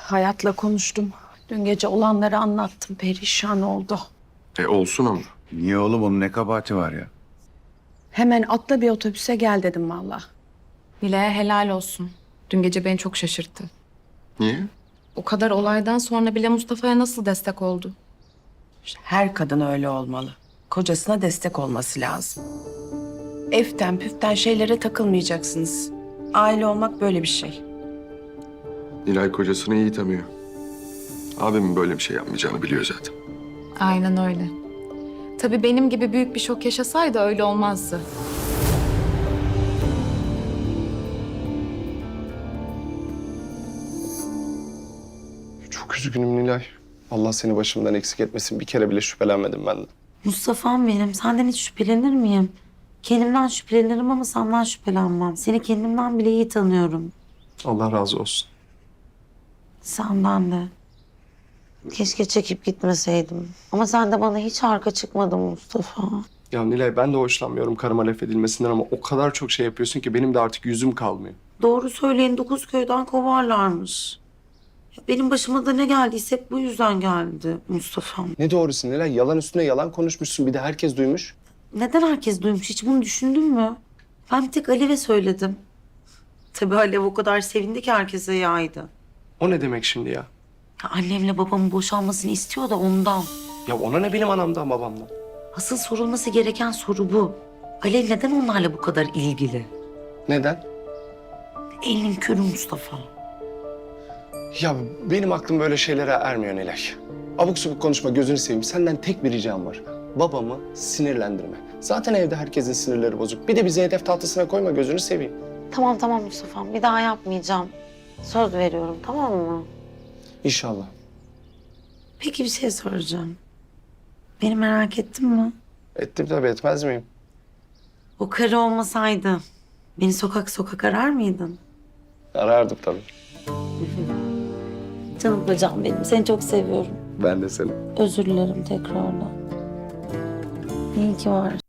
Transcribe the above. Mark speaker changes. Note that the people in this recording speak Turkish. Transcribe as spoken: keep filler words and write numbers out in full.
Speaker 1: Hayat'la konuştum. Dün gece olanları anlattım. Perişan oldu.
Speaker 2: E olsun ama.
Speaker 3: Niye oğlum, onun ne kabahati var ya?
Speaker 1: Hemen atla bir otobüse gel dedim valla.
Speaker 4: Nilay'a helal olsun. Dün gece beni çok şaşırttı.
Speaker 2: Niye?
Speaker 4: O kadar olaydan sonra bile Mustafa'ya nasıl destek oldu?
Speaker 5: Her kadın öyle olmalı. Kocasına destek olması lazım. Eften püften şeylere takılmayacaksınız. Aile olmak böyle bir şey.
Speaker 2: Nilay kocasını iyi tanıyor. Abimin böyle bir şey yapmayacağını biliyor zaten.
Speaker 4: Aynen öyle. Tabii benim gibi büyük bir şok yaşasaydı öyle olmazdı.
Speaker 6: Çok üzgünüm Nilay. Allah seni başımdan eksik etmesin. Bir kere bile şüphelenmedim benden.
Speaker 7: Mustafa'm benim. Senden hiç şüphelenir miyim? Kendimden şüphelenirim ama senden şüphelenmem. Seni kendimden bile iyi tanıyorum.
Speaker 6: Allah razı olsun.
Speaker 7: Senden de. Keşke çekip gitmeseydim. Ama sen de bana hiç arka çıkmadın Mustafa.
Speaker 6: Ya Nilay, ben de hoşlanmıyorum karıma laf edilmesinden ama o kadar çok şey yapıyorsun ki benim de artık yüzüm kalmıyor.
Speaker 7: Doğru söyleyin, dokuz köyden kovarlarmış. Ya benim başıma da ne geldiyse hep bu yüzden geldi Mustafa'm.
Speaker 6: Ne doğrusu Nilay? Yalan üstüne yalan konuşmuşsun. Bir de herkes duymuş.
Speaker 7: Neden herkes duymuş? Hiç bunu düşündün mü? Ben bir tek Alev'e söyledim. Tabii Alev o kadar sevindi ki herkese yaydı.
Speaker 6: O ne demek şimdi ya?
Speaker 7: Ya annemle babamın boşanmasını istiyor da ondan.
Speaker 6: Ya ona ne benim anamdan babamdan?
Speaker 7: Asıl sorulması gereken soru bu. Alev neden onlarla bu kadar ilgili?
Speaker 6: Neden?
Speaker 7: Elin körü Mustafa.
Speaker 6: Ya benim aklım böyle şeylere ermiyor Nilay. Abuk subuk konuşma, gözünü seveyim. Senden tek bir ricam var. Babamı sinirlendirme. Zaten evde herkesin sinirleri bozuk. Bir de bizi hedef tahtasına koyma, gözünü seveyim.
Speaker 7: Tamam tamam Mustafa'm, bir daha yapmayacağım. Söz veriyorum, tamam mı?
Speaker 6: İnşallah.
Speaker 7: Peki bir şey soracağım. Beni merak ettin mi?
Speaker 6: Ettim tabii, etmez miyim?
Speaker 7: O karı olmasaydı beni sokak sokak arar mıydın?
Speaker 6: Arardım tabii.
Speaker 7: Canım kocam benim, seni çok seviyorum.
Speaker 6: Ben de seni.
Speaker 7: Özür dilerim tekrardan. İyi ki varsın.